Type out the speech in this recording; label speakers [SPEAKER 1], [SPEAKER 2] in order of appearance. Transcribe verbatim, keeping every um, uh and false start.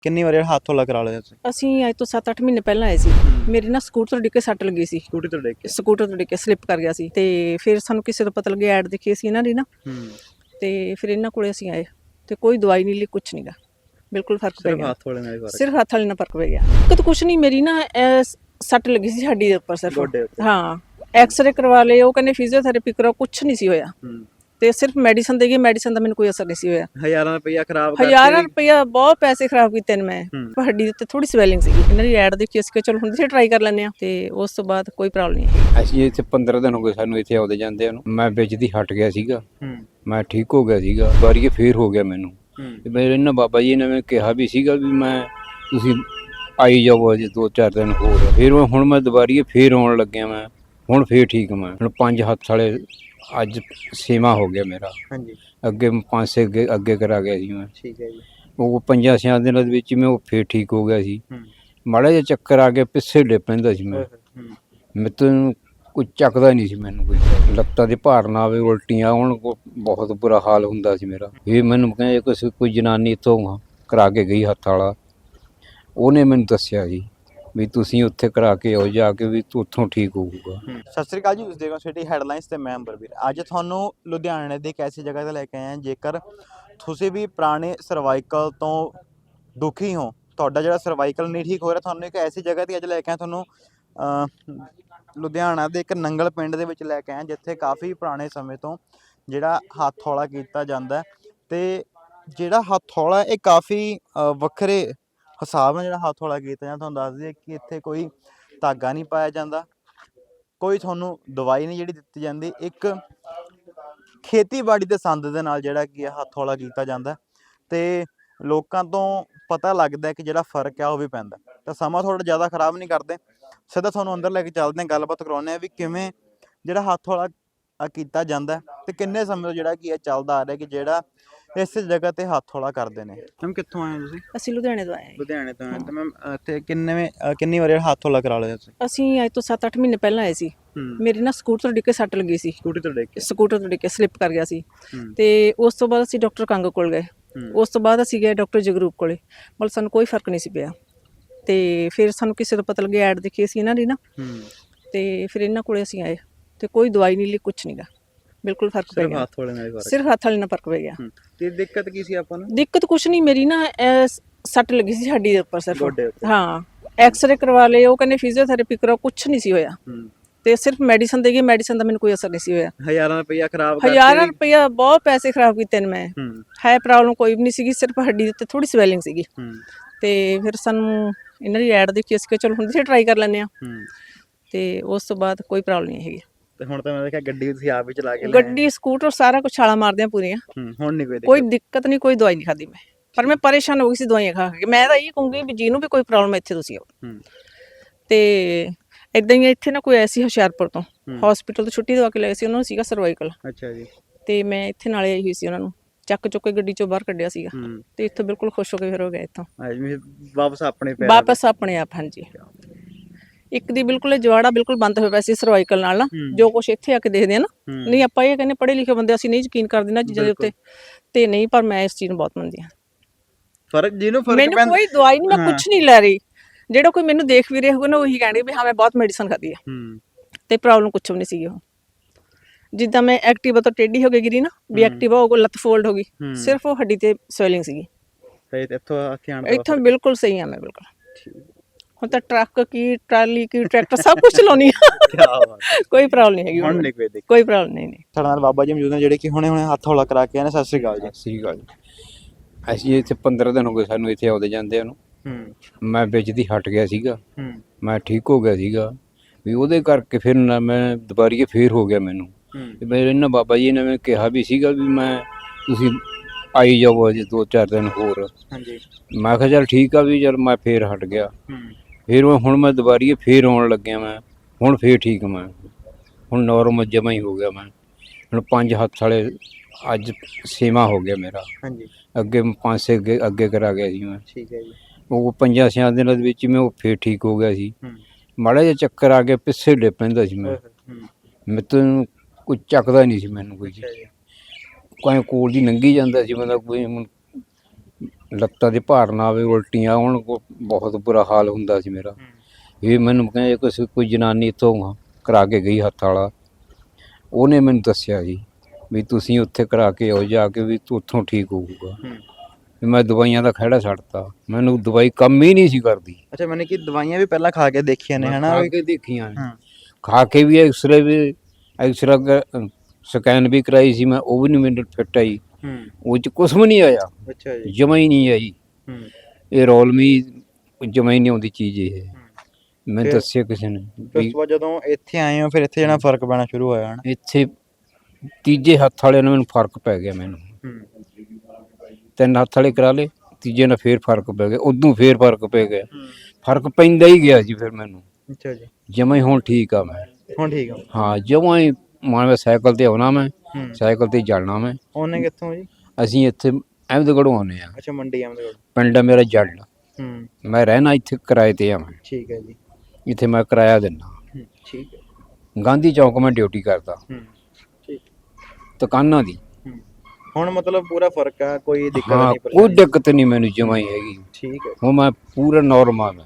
[SPEAKER 1] ਕਿੰਨੀ ਵਾਰੀ ਹੱਥ ਹੌਲਾ ਕਰਾ ਲਿਆ ਤੁਸੀਂ?
[SPEAKER 2] ਅਸੀਂ ਅੱਜ ਤੋਂ ਸੱਤ ਅੱਠ ਮਹੀਨੇ ਪਹਿਲਾਂ ਆਏ ਸੀ। ਮੇਰੇ ਨਾ ਸਕੂਟਰ ਡਿੱਗ ਕੇ ਸੱਟ ਲੱਗੀ ਸੀ।
[SPEAKER 1] ਸਕੂਟੀ ਤੋਂ ਡਿੱਗ ਕੇ?
[SPEAKER 2] ਸਕੂਟਰ ਤੋਂ ਡਿੱਗ ਕੇ ਸਲਿੱਪ ਕਰ ਗਿਆ ਸੀ ਤੇ ਫਿਰ ਸਾਨੂੰ ਕਿਸੇ ਤੋਂ ਪਤਾ ਲੱਗਿਆ, ਐਡ ਦੇਖੀ ਸੀ ਇਹਨਾਂ ਦੀ ਨਾ,
[SPEAKER 1] ਹੂੰ
[SPEAKER 2] ਤੇ ਫਿਰ ਇਹਨਾਂ ਕੋਲੇ ਅਸੀਂ ਆਏ ਤੇ ਕੋਈ ਦਵਾਈ ਨਹੀਂ ਲਈ, ਕੁਛ ਨਹੀਂਗਾ, ਬਿਲਕੁਲ ਫਰਕ ਪੈ
[SPEAKER 1] ਸਿਰਫ
[SPEAKER 2] ਗਿਆ।
[SPEAKER 1] ਹੱਥ ਹੌਲੇ ਨਾਲ ਹੀ ਫਰਕ?
[SPEAKER 2] ਸਿਰਫ ਹੱਥ ਵਾਲੇ ਨਾਲ ਫਰਕ ਪੈ ਗਿਆ। ਕਦ ਕੁਛ ਨਹੀਂ, ਮੇਰੀ ਨਾ ਇਹ ਸੱਟ ਲੱਗੀ ਸੀ ਹੱਡੀ ਦੇ ਉੱਪਰ ਸਿਰਫ।
[SPEAKER 1] ਗੋਡੇ ਉੱਤੇ?
[SPEAKER 2] ਹਾਂ, ਐਕਸ-ਰੇ ਕਰਵਾ ਲਏ, ਉਹ ਕਹਿੰਦੇ ਫਿਜ਼ੀਓਥੈਰੇਪੀ ਕਰੋ, ਕੁਛ ਨਹੀਂ ਸੀ ਹੋਇਆ।
[SPEAKER 1] ਹੂੰ
[SPEAKER 2] ਤੇ ਸਿਰਫ ਮੈਡੀਸਨ ਦੇ ਗਈ, ਮੈਡੀਸਨ ਦਾ ਮੈਨੂੰ ਕੋਈ ਅਸਰ ਨਹੀਂ ਸੀ ਹੋਇਆ।
[SPEAKER 1] ਹਜ਼ਾਰਾਂ ਰੁਪਇਆ ਖਰਾਬ ਕਰਕੇ
[SPEAKER 2] ਹਜ਼ਾਰਾਂ ਰੁਪਇਆ ਬਹੁਤ ਪੈਸੇ ਖਰਾਬ ਕੀਤੇ ਨੇ ਮੈਂ।
[SPEAKER 1] ਹੂੰ।
[SPEAKER 2] ਹੱਡੀ ਦੇ ਉੱਤੇ ਥੋੜੀ ਸਵੈਲਿੰਗ ਸੀਗੀ, ਇਹਨਾਂ ਦੀ ਐਡ ਦੇਖੀ ਅਸੀਂ ਕਿ ਚਲੋ ਹੁਣ ਅਸੀਂ ਟਰਾਈ ਕਰ ਲੈਂਦੇ ਆ, ਤੇ ਉਸ ਤੋਂ ਬਾਅਦ ਕੋਈ ਪ੍ਰੋਬਲਮ ਨਹੀਂ।
[SPEAKER 3] ਅਸੀਂ ਇੱਥੇ ਪੰਦਰਾਂ ਦਿਨ ਹੋ ਗਏ ਸਾਨੂੰ ਇੱਥੇ ਆਉਂਦੇ ਜਾਂਦੇ ਨੂੰ। ਮੈਂ ਵਿੱਚ ਦੀ ਹਟ ਗਿਆ ਸੀਗਾ,
[SPEAKER 1] ਹੂੰ
[SPEAKER 3] ਮੈਂ ਠੀਕ ਹੋ ਗਿਆ ਸੀਗਾ, ਵਾਰੀਏ ਫੇਰ ਹੋ ਗਿਆ ਮੈਨੂੰ।
[SPEAKER 1] ਹੂੰ
[SPEAKER 3] ਤੇ ਮੇਰੇ ਇਹਨਾਂ ਬਾਬਾ ਜੀ ਨੇ ਮੈਨੂੰ ਕਿਹਾ ਵੀ ਸੀਗਾ ਵੀ ਮੈਂ ਤੁਸੀਂ ਆਈ ਜਾਓ ਅਜੇ ਦੋ ਚਾਰ ਦਿਨ ਹੋਰ। ਫਿਰ ਮੈਂ ਹੁਣ ਮੈਂ ਦੁਬਾਰੀਏ ਫੇਰ ਆਉਣ ਲੱਗਿਆ, ਮੈਂ ਹੁਣ ਫੇਰ ਠੀਕ ਮੈਂ। ਹੁਣ ਪੰਜ ਹੱਥ ਵਾਲੇ ਅੱਜ ਛੇਵਾਂ ਹੋ ਗਿਆ ਮੇਰਾ।
[SPEAKER 1] ਹਾਂਜੀ
[SPEAKER 3] ਅੱਗੇ ਪੰਜ ਛੇ ਅੱਗੇ ਅੱਗੇ ਕਰਾ ਗਿਆ ਸੀ ਮੈਂ।
[SPEAKER 1] ਠੀਕ ਹੈ ਜੀ।
[SPEAKER 3] ਉਹ ਪੰਜਾਂ ਛਿਆਂ ਦਿਨਾਂ ਦੇ ਵਿੱਚ ਮੈਂ ਉਹ ਫੇਰ ਠੀਕ ਹੋ ਗਿਆ ਸੀ।
[SPEAKER 1] ਹੂੰ
[SPEAKER 3] ਮਾੜਾ ਜਿਹਾ ਚੱਕਰ ਆ ਗਿਆ, ਪਿੱਛੇ ਡੇ ਪੈਂਦਾ ਸੀ ਮੈਂ।
[SPEAKER 1] ਹੂੰ
[SPEAKER 3] ਮੈਨੂੰ ਕੋਈ ਚੱਕਦਾ ਨਹੀਂ ਸੀ, ਮੈਨੂੰ ਕੋਈ ਲੱਤਾਂ ਦੇ ਭਾਰ ਨਾ ਆਵੇ, ਉਲਟੀਆਂ ਆਉਣ, ਬਹੁਤ ਬੁਰਾ ਹਾਲ ਹੁੰਦਾ ਸੀ ਮੇਰਾ। ਇਹ ਮੈਨੂੰ ਕਹਿੰਦੇ ਕੋਈ ਕੋਈ ਜਨਾਨੀ ਇੱਥੋਂ ਕਰਾ ਕੇ ਗਈ ਹੱਥ ਵਾਲਾ, ਉਹਨੇ ਮੈਨੂੰ ਦੱਸਿਆ ਜੀ ਵੀ ਤੁਸੀਂ ਉੱਥੇ ਕਰਾ ਕੇ ਆਓ ਜਾ ਕੇ, ਵੀ ਤੂੰ ਉੱਥੋਂ ਠੀਕ ਹੋਊਗਾ।
[SPEAKER 1] ਸਤਿ ਸ੍ਰੀ ਅਕਾਲ ਜੀ, ਤੁਸੀਂ ਦੇਖ ਰਹੇ ਹੋ ਸਿਟੀ ਹੈਡਲਾਈਨਸ ਤੇ ਮੈਂ ਅੰਬਰਵੀਰ। ਅੱਜ ਤੁਹਾਨੂੰ ਲੁਧਿਆਣੇ ਦੀ ਇੱਕ ਐਸੀ ਜਗ੍ਹਾ ਤੇ ਲੈ ਕੇ ਆਏ ਹਾਂ, ਜੇਕਰ ਤੁਸੀਂ ਵੀ ਪੁਰਾਣੇ ਸਰਵਾਈਕਲ ਤੋਂ ਦੁਖੀ ਹੋ, ਤੁਹਾਡਾ ਜਿਹੜਾ ਸਰਵਾਈਕਲ ਨਹੀਂ ਠੀਕ ਹੋ ਰਿਹਾ, ਤੁਹਾਨੂੰ ਇੱਕ ਐਸੀ ਜਗ੍ਹਾ ਤੇ ਅੱਜ ਲੈ ਕੇ ਆਏ ਤੁਹਾਨੂੰ ਲੁਧਿਆਣਾ ਦੇ ਇੱਕ ਨੰਗਲ ਪਿੰਡ ਦੇ ਵਿੱਚ ਲੈ ਕੇ ਆਏ, ਜਿੱਥੇ ਕਾਫੀ ਪੁਰਾਣੇ ਸਮੇਂ ਤੋਂ ਜਿਹੜਾ ਹੱਥ ਹੌਲਾ ਕੀਤਾ ਜਾਂਦਾ। ਤੇ ਜਿਹੜਾ ਹੱਥ ਹੌਲਾ ਇਹ ਕਾਫੀ ਵੱਖਰੇ ਹਿਸਾਬ ਨਾਲ ਜਿਹੜਾ ਹੱਥ ਹੌਲਾ ਕੀਤਾ ਜਾਂਦਾ। ਤੁਹਾਨੂੰ ਦੱਸ ਦਈਏ ਕਿ ਇੱਥੇ ਕੋਈ ਧਾਗਾ ਨਹੀਂ ਪਾਇਆ ਜਾਂਦਾ, ਕੋਈ ਤੁਹਾਨੂੰ ਦਵਾਈ ਨਹੀਂ ਜਿਹੜੀ ਦਿੱਤੀ ਜਾਂਦੀ, ਇੱਕ ਖੇਤੀਬਾੜੀ ਦੇ ਸੰਦ ਦੇ ਨਾਲ ਜਿਹੜਾ ਕੀ ਹੱਥ ਹੌਲਾ ਕੀਤਾ ਜਾਂਦਾ ਤੇ ਲੋਕਾਂ ਤੋਂ ਪਤਾ ਲੱਗਦਾ ਕਿ ਜਿਹੜਾ ਫਰਕ ਆ ਉਹ ਵੀ ਪੈਂਦਾ। ਤਾਂ ਸਮਾਂ ਥੋੜਾ ਜ਼ਿਆਦਾ ਖਰਾਬ ਨਹੀਂ ਕਰਦੇ, ਸਿੱਧਾ ਤੁਹਾਨੂੰ ਅੰਦਰ ਲੈ ਕੇ ਚੱਲਦੇ ਹਾਂ, ਗੱਲਬਾਤ ਕਰਾਉਂਦੇ ਹਾਂ ਵੀ ਕਿਵੇਂ ਜਿਹੜਾ ਹੱਥ ਹੌਲਾ ਕੀਤਾ ਜਾਂਦਾ ਤੇ ਕਿੰਨੇ ਸਮੇਂ ਤੋਂ ਜਿਹੜਾ ਕੀ ਹੈ ਚੱਲਦਾ ਆ ਰਿਹਾ ਕਿ ਜਿਹੜਾ ਇਸ ਜਗ੍ਹਾ ਤੇ ਹੱਥ ਹੌਲਾ ਕਰਦੇ ਨੇ। ਮੈਮ ਕਿੱਥੋਂ ਆਏ ਹੋ ਤੁਸੀਂ?
[SPEAKER 2] ਅਸੀਂ ਲੁਧਿਆਣੇ ਤੋਂ ਆਏ ਹਾਂ।
[SPEAKER 1] ਲੁਧਿਆਣੇ ਤੋਂ ਆਏ ਤੇ ਮੈਮ ਇੱਥੇ ਕਿੰਨੇ ਕਿੰਨੀ ਵਾਰੀ ਹੱਥ ਹੌਲਾ ਕਰਾ ਲਿਆ ਤੁਸੀਂ?
[SPEAKER 2] ਅਸੀਂ ਅੱਜ ਤੋਂ ਸੱਤ ਅੱਠ ਮਹੀਨੇ ਪਹਿਲਾਂ ਆਏ ਸੀ। ਮੇਰੀ ਨਾ ਸਕੂਟਰ ਤੋਂ ਡਿੱਗ ਕੇ ਸੱਟ ਲੱਗੀ ਸੀ।
[SPEAKER 1] ਸਕੂਟੀ ਤੋਂ ਡਿੱਗ ਕੇ?
[SPEAKER 2] ਸਕੂਟਰ ਤੋਂ ਡਿੱਗ ਕੇ ਸਲਿੱਪ ਕਰ ਗਿਆ ਸੀ ਤੇ ਉਸ ਤੋਂ ਬਾਅਦ ਅਸੀਂ ਡਾਕਟਰ ਕੰਗ ਕੋਲ ਗਏ। ਉਸ ਤੋਂ ਬਾਅਦ ਅਸੀਂ ਗਏ ਡਾਕਟਰ ਜਗਰੂਪ ਕੋਲੇ, ਮਤਲਬ ਸਾਨੂੰ ਕੋਈ ਫਰਕ ਨਹੀਂ ਸੀ ਪਿਆ। ਤੇ ਫਿਰ ਸਾਨੂੰ ਕਿਸੇ ਤੋਂ ਪਤਾ ਲੱਗਿਆ, ਐਡ ਦੇਖੀ ਸੀ ਇਹਨਾਂ ਦੀ ਨਾ, ਤੇ ਫਿਰ ਇਹਨਾਂ ਕੋਲੇ ਅਸੀਂ ਆਏ ਤੇ ਕੋਈ ਦਵਾਈ ਨਹੀਂ ਲਈ, ਕੁਛ ਨਹੀਂਗਾ, ਬਿਲਕੁਲ ਫਰਕ ਪੈ ਗਿਆ।
[SPEAKER 1] ਹੱਥ ਹੌਲੇ ਨਾਲ ਹੀ ਫਰਕ?
[SPEAKER 2] ਸਿਰਫ ਹੱਥ ਵਾਲੇ ਨਾਲ ਫਰਕ ਪੈ ਗਿਆ।
[SPEAKER 1] ਤੇ ਦਿੱਕਤ ਕੀ ਸੀ ਆਪਾਂ ਨੂੰ?
[SPEAKER 2] ਦਿੱਕਤ ਕੁਛ ਨਹੀਂ, ਮੇਰੀ ਨਾ ਇਹ ਸੱਟ ਲੱਗੀ ਸੀ ਹੱਡੀ ਦੇ ਉੱਪਰ ਸਿਰਫ।
[SPEAKER 1] ਗੋਡੇ ਉੱਤੇ?
[SPEAKER 2] ਹਾਂ, ਐਕਸ-ਰੇ ਕਰਵਾ ਲਏ, ਉਹ ਕਹਿੰਦੇ ਫਿਜ਼ੀਓਥੈਰੇਪੀ ਕਰੋ, ਕੁਛ ਨਹੀਂ ਸੀ ਹੋਇਆ। ਤੇ ਸਿਰਫ ਮੈਡੀਸਨ ਦੇ ਗਈ, ਮੈਡੀਸਨ ਦਾ ਮੈਨੂੰ ਕੋਈ ਅਸਰ ਨਹੀਂ ਸੀ ਹੋਇਆ।
[SPEAKER 1] ਹਜ਼ਾਰਾਂ ਰੁਪਇਆ ਖਰਾਬ ਕਰਕੇ?
[SPEAKER 2] ਹਜ਼ਾਰਾਂ ਰੁਪਇਆ ਬਹੁਤ ਪੈਸੇ ਖਰਾਬ ਕੀਤੇ ਨੇ ਮੈਂ। ਹੈ ਪ੍ਰੋਬਲਮ ਕੋਈ ਵੀ ਨਹੀਂ ਸੀਗੀ, ਸਿਰਫ ਹੱਡੀ ਦੇ ਉੱਤੇ ਥੋੜੀ ਸਵੈਲਿੰਗ ਸੀਗੀ। ਤੇ ਫਿਰ ਸਾਨੂੰ ਇਹਨਾਂ ਦੀ ਐਡ ਦੇਖੀ ਅਸੀਂ ਕਿ ਚਲੋ ਹੁਣ ਅਸੀਂ ਟਰਾਈ ਕਰ ਲੈਂਦੇ ਆ, ਤੇ ਉਸ ਤੋਂ ਬਾਅਦ ਕੋਈ ਪ੍ਰੋਬਲਮ ਨਹੀਂ ਹੈਗੀ।
[SPEAKER 1] ਤੇ ਹੁਣ ਤਾਂ ਮੈਂ ਦੇਖਿਆ ਗੱਡੀ ਤੁਸੀਂ ਆਪ ਹੀ ਚਲਾ ਕੇ?
[SPEAKER 2] ਗੱਡੀ ਸਕੂਟਰ ਸਾਰਾ ਕੁਝ ਛਾਲਾਂ ਮਾਰਦੇ ਆ ਪੂਰੀਆਂ।
[SPEAKER 1] ਹੁਣ ਨਹੀਂ ਕੋਈ ਦਿੱਕਤ?
[SPEAKER 2] ਕੋਈ ਦਿੱਕਤ ਨਹੀਂ, ਕੋਈ ਦਵਾਈ ਨਹੀਂ ਖਾਦੀ ਮੈਂ, ਪਰ ਮੈਂ ਪਰੇਸ਼ਾਨ ਹੋ ਗਈ ਸੀ ਦਵਾਈਆਂ ਖਾ ਕੇ। ਮੈਂ ਤਾਂ ਇਹ ਕਹੂੰਗੀ ਵੀ ਜਿਹਨੂੰ ਵੀ ਕੋਈ ਪ੍ਰੋਬਲਮ ਇੱਥੇ ਤੁਸੀਂ ਆਓ। ਤੇ ਇਦਾਂ ਹੀ ਇੱਥੇ ਨਾ ਕੋਈ ਐਸੀ ਹੁਸ਼ਿਆਰਪੁਰ ਤੋਂ ਹਸਪੀਟਲ ਤੋਂ ਛੁੱਟੀ ਦਵਾ ਕੇ ਲਏ ਸੀ, ਉਹਨਾਂ ਨੂੰ ਸੀਗਾ ਸਰਵਾਈਕਲ।
[SPEAKER 1] ਅੱਛਾ ਜੀ। ਤੇ
[SPEAKER 2] ਮੈਂ ਇੱਥੇ ਨਾਲੇ ਆਈ ਹੋਈ ਸੀ, ਉਹਨਾਂ ਨੂੰ ਚੱਕ ਚੁੱਕ ਕੇ ਗੱਡੀ ਚੋਂ ਬਾਹਰ ਕੱਢਿਆ ਸੀਗਾ ਤੇ ਇੱਥੋਂ ਬਿਲਕੁਲ ਖੁਸ਼ ਹੋ ਕੇ ਫਿਰ ਹੋ ਗਿਆ ਇੱਥੋਂ
[SPEAKER 1] ਵਾਪਸ ਆਪਣੇ ਪੈਰ?
[SPEAKER 2] ਵਾਪਸ ਆਪਣੇ ਆਪ, ਹਾਂਜੀ। ਇੱਕ ਦੀ ਬਿਲਕੁਲ ਜਵਾੜਾ ਬਿਲਕੁਲ ਬੰਦ ਹੋਇਆ ਪਿਆ ਸੀ ਸਰਵਾਈਕਲ ਨਾਲ ਨਾ, ਜੋ ਕੁਛ ਇੱਥੇ ਆ ਕੇ ਦੇਖਦੇ ਆ ਨਾ। ਨਹੀਂ ਆਪਾਂ ਇਹ ਕਹਿੰਦੇ ਪੜ੍ਹੇ ਲਿਖੇ ਬੰਦੇ, ਅਸੀਂ ਨਹੀਂ ਯਕੀਨ ਕਰਦੇ ਨਾ ਚੀਜ਼ਾਂ ਦੇ ਉੱਤੇ, ਤੇ ਨਹੀਂ, ਪਰ ਮੈਂ ਇਸ ਚੀਜ਼ ਨੂੰ ਬਹੁਤ ਮੰਨਦੀ ਹਾਂ।
[SPEAKER 1] ਫਰਕ ਜਿਹਨੂੰ ਫਰਕ
[SPEAKER 2] ਮੈਨੂੰ ਕੋਈ ਦਵਾਈ ਨਹੀਂ, ਮੈਂ ਕੁਛ ਨਹੀਂ ਲੈ ਰਹੀ। ਜਿਹੜਾ ਕੋਈ ਮੈਨੂੰ ਦੇਖ ਵੀ ਰਿਹਾ ਹੋਊਗਾ ਨਾ, ਉਹੀ ਕਹਿਣਗੇ ਵੀ ਹਾਂ ਮੈਂ ਬਹੁਤ ਮੈਡੀਸਨ ਖਾਦੀ ਹੈ, ਤੇ ਪ੍ਰੋਬਲਮ ਕੁਛ ਵੀ ਨਹੀਂ ਸੀਗੀ। ਉਹ ਜਿੱਦਾਂ ਮੈਂ ਐਕਟਿਵਾ ਤੋਂ ਟੇਢੀ ਹੋ ਕੇ ਗਿਰੀ ਨਾ, ਵੀ ਐਕਟਿਵਾ ਹੋ ਲੱਤ ਫੋਲਡ ਹੋ ਗਈ, ਸਿਰਫ ਉਹ ਹੱਡੀ ਤੇ ਸਵੈਲਿੰਗ ਸੀਗੀ। ਇੱਥੋਂ ਬਿਲਕੁਲ ਸਹੀ ਆ ਮੈਂ, ਬਿਲਕੁਲ। ਹੁਣ ਤਾਂ ਟਰੱਕ ਕੀ, ਟਰਾਲੀ ਕੀ, ਟਰੈਕਟਰ ਸਭ ਕੁਝ ਚਲਾਉਣੀ ਆ। ਕੋਈ ਪ੍ਰੋਬਲਮ ਨਹੀਂ ਹੈਗੀ,
[SPEAKER 1] ਹੁਣ ਨਹੀਂ ਕੋਈ ਦਿੱਕਤ?
[SPEAKER 2] ਕੋਈ ਪ੍ਰੋਬਲਮ ਨਹੀਂ। ਨਹੀਂ,
[SPEAKER 1] ਸਾਡੇ ਨਾਲ ਬਾਬਾ ਜੀ ਮੌਜੂਦ ਨੇ ਜਿਹੜੇ ਕਿ ਹੁਣੇ ਹੁਣੇ ਹੱਥ ਹੌਲਾ ਕਰਾ ਕੇ ਆਏ ਨੇ। ਸਤਿ ਸ੍ਰੀ ਅਕਾਲ ਜੀ।
[SPEAKER 3] ਸਤਿ ਸ੍ਰੀ ਅਕਾਲ। ਅਸੀਂ ਇੱਥੇ ਪੰਦਰਾਂ ਦਿਨ ਹੋ ਗਏ ਸਾਨੂੰ ਇੱਥੇ ਆਉਂਦੇ ਜਾਂਦੇ ਨੂੰ। ਮੈਂ ਵਿੱਚ ਦੀ ਹਟ ਗਿਆ ਸੀਗਾ, ਮੈਂ ਠੀਕ ਹੋ ਗਿਆ ਸੀਗਾ, ਵੀ ਉਹਦੇ ਕਰਕੇ ਫਿਰ ਨਾ ਮੈਂ ਦੁਬਾਰੀਏ ਫੇਰ ਹੋ ਗਿਆ ਮੈਨੂੰ। ਤੇ ਮੇਰੇ ਇਹਨਾਂ ਬਾਬਾ ਜੀ ਨੇ ਮੈਨੂੰ ਕਿਹਾ ਵੀ ਸੀਗਾ ਵੀ ਮੈਂ ਤੁਸੀਂ ਆਈ ਜਾਓ ਅਜੇ ਦੋ ਚਾਰ ਦਿਨ ਹੋਰ। ਮੈਂ ਕਿਹਾ ਚੱਲ ਠੀਕ ਆ, ਵੀ ਚੱਲ ਮੈਂ ਫੇਰ ਹਟ ਗਿਆ। ਫਿਰ ਹੁਣ ਮੈਂ ਦੁਬਾਰੀਏ ਫੇਰ ਆਉਣ ਲੱਗਿਆ, ਮੈਂ ਹੁਣ ਫੇਰ ਠੀਕ ਮੈਂ, ਹੁਣ ਨੋਰਮਲ ਜਮਾ ਹੀ ਹੋ ਗਿਆ ਮੈਂ। ਹੁਣ ਪੰਜ ਹੱਥ ਵਾਲੇ ਅੱਜ ਛੇਵਾਂ ਹੋ ਗਿਆ ਮੇਰਾ। ਅੱਗੇ ਪੰਜ ਛੇ ਅੱਗੇ ਅੱਗੇ ਕਰਾ ਗਿਆ ਸੀ ਮੈਂ।
[SPEAKER 1] ਠੀਕ ਹੈ ਜੀ।
[SPEAKER 3] ਉਹ ਪੰਜਾਂ ਛਿਆਂ ਦਿਨਾਂ ਦੇ ਵਿੱਚ ਮੈਂ ਉਹ ਫੇਰ ਠੀਕ ਹੋ ਗਿਆ ਸੀ। ਮਾੜਾ ਜਿਹਾ ਚੱਕਰ ਆ ਗਿਆ, ਪਿੱਛੇ ਡੇ ਪੈਂਦਾ ਸੀ ਮੈਂ। ਮੈਨੂੰ ਕੋਈ ਚੱਕਦਾ ਨਹੀਂ ਸੀ, ਮੈਨੂੰ ਕੋਈ ਕੋਈ ਕੋਲ ਦੀ ਲੰਘੀ ਜਾਂਦਾ ਸੀ, ਮਤਲਬ ਕੋਈ ਲੱਤਾਂ ਦੇ ਭਾਰ ਨਾ ਆਵੇ, ਉਲਟੀਆਂ ਆਉਣ, ਕੋ- ਬਹੁਤ ਬੁਰਾ ਹਾਲ ਹੁੰਦਾ ਸੀ ਮੇਰਾ। ਇਹ ਮੈਨੂੰ ਕਹਿੰਦੇ ਕੋਈ ਕੋਈ ਜਨਾਨੀ ਇੱਥੋਂ ਕਰਾ ਕੇ ਗਈ ਹੱਥ ਵਾਲਾ, ਉਹਨੇ ਮੈਨੂੰ ਦੱਸਿਆ ਜੀ ਵੀ ਤੁਸੀਂ ਉੱਥੇ ਕਰਾ ਕੇ ਆਓ ਜਾ ਕੇ, ਵੀ ਤੂੰ ਉੱਥੋਂ ਠੀਕ ਹੋਊਗਾ। ਵੀ ਮੈਂ ਦਵਾਈਆਂ ਦਾ ਖਹਿੜਾ ਛੱਡਤਾ, ਮੈਨੂੰ ਦਵਾਈ ਕੰਮ ਹੀ ਨਹੀਂ ਸੀ ਕਰਦੀ।
[SPEAKER 1] ਅੱਛਾ, ਮੈਨੇ ਕਿ ਦਵਾਈਆਂ ਵੀ ਪਹਿਲਾਂ ਖਾ ਕੇ ਦੇਖੀਆਂ ਨੇ ਹਨਾ?
[SPEAKER 3] ਖਾ ਕੇ ਦੇਖੀਆਂ ਨੇ,
[SPEAKER 1] ਹਾਂ।
[SPEAKER 3] ਖਾ ਕੇ ਵੀ ਐਕਸਰੇ ਵੀ ਐਕਸਰਾ ਸਕੈਨ ਵੀ ਕਰਾਈ ਸੀ ਮੈਂ, ਉਹ ਵੀ ਨਹੀਂ ਮੈਨੂੰ ਫਿੱਟ ਆਈ,
[SPEAKER 1] ਹੂੰ।
[SPEAKER 3] ਉਹ ਚ ਕੁਛ ਵੀ ਨਹੀਂ ਆਇਆ,
[SPEAKER 1] ਅੱਛਾ ਜੀ।
[SPEAKER 3] ਜਮਾ ਹੀ ਨਹੀਂ ਆਈ।
[SPEAKER 1] ਹੂੰ।
[SPEAKER 3] ਇਹ ਰੋਲਮੀ ਜਮਾ ਹੀ ਨਹੀਂ ਆਉਂਦੀ ਚੀਜ਼ ਇਹ, ਮੈਂ
[SPEAKER 1] ਫਿਰ-
[SPEAKER 3] ਦੱਸਿਆ ਕਿਸੇ ਨੇ
[SPEAKER 1] ਫਿਰ
[SPEAKER 3] ਵੀ
[SPEAKER 1] ਉਸ ਤੋਂ ਬਾਅਦ ਜਦੋਂ ਇੱਥੇ ਆਏ ਹੋ ਫਿਰ ਇੱਥੇ ਜਿਹੜਾ ਫਰਕ ਪੈਣਾ ਸ਼ੁਰੂ ਹੋਇਆ ਹਨਾ?
[SPEAKER 3] ਇੱਥੇ ਤੀਜੇ ਹੱਥ ਵਾਲੇ ਨਾਲ ਮੈਨੂੰ ਫਰਕ ਪੈ ਗਿਆ। ਮੈਨੂੰ
[SPEAKER 1] ਹੂੰ।
[SPEAKER 3] ਤਿੰਨ ਹੱਥ ਵਾਲੇ ਕਰਾ ਲਏ, ਤੀਜੇ ਨਾਲ ਫੇਰ ਫਰਕ ਪੈ ਗਿਆ, ਉਦੋਂ ਫੇਰ ਫਰਕ ਪੈ ਗਿਆ,
[SPEAKER 1] ਹੂੰ।
[SPEAKER 3] ਫਰਕ ਪੈਂਦਾ ਹੀ ਗਿਆ ਜੀ ਫਿਰ ਮੈਨੂੰ,
[SPEAKER 1] ਅੱਛਾ ਜੀ।
[SPEAKER 3] ਜਮਾ ਹੀ ਹੁਣ ਠੀਕ ਆ ਮੈਂ।
[SPEAKER 1] ਹੁਣ ਠੀਕ ਹੋ?
[SPEAKER 3] ਹਾਂ, ਜਮਾ ਹੀ ਮੈਂ ਸਾਈਕਲ ਤੇ ਆਉਣਾ, ਮੈਂ
[SPEAKER 1] ਹੂੰ।
[SPEAKER 3] ਸਾਈਕਲ ਤੇ ਜਾਣਾ ਮੈਂ।
[SPEAKER 1] ਉਹਨੇ ਕਿੱਥੋਂ ਜੀ?
[SPEAKER 3] ਅਸੀਂ ਇੱਥੇ ਅਹਿਮਦਗੜ੍ਹੋਂ ਆਉਂਦੇ ਆ,
[SPEAKER 1] ਅੱਛਾ, ਮੰਡੀ ਅਹਿਮਦਗੜ੍ਹ।
[SPEAKER 3] ਪਿੰਡ ਆ ਮੇਰਾ ਜੱਲ।
[SPEAKER 1] ਹੂੰ।
[SPEAKER 3] ਮੈਂ ਰਹਿਣਾ ਇੱਥੇ ਕਿਰਾਏ ਤੇ ਆ ਮੈਂ,
[SPEAKER 1] ਠੀਕ ਹੈ ਜੀ।
[SPEAKER 3] ਇੱਥੇ ਮੈਂ ਕਿਰਾਇਆ ਦਿੰਦਾ।
[SPEAKER 1] ਹੂੰ, ਠੀਕ ਹੈ।
[SPEAKER 3] ਗਾਂਧੀ ਚੌਕ ਮੈਂ ਡਿਊਟੀ ਕਰਦਾ,
[SPEAKER 1] ਹੂੰ। ਠੀਕ।
[SPEAKER 3] ਦੁਕਾਨਾਂ ਦੀ।
[SPEAKER 1] ਹੂੰ। ਹੁਣ ਮਤਲਬ ਪੂਰਾ ਫਰਕ ਆ, ਕੋਈ ਦਿੱਕਤ
[SPEAKER 3] ਹਾਂ,
[SPEAKER 1] ਨਹੀਂ?
[SPEAKER 3] ਕੋਈ ਦਿੱਕਤ ਨਹੀਂ ਮੈਨੂੰ ਜਮਾ ਹੀ ਹੈਗੀ।
[SPEAKER 1] ਠੀਕ ਹੈ।
[SPEAKER 3] ਹੁਣ ਮੈਂ ਪੂਰਾ ਨੋਰਮਲ।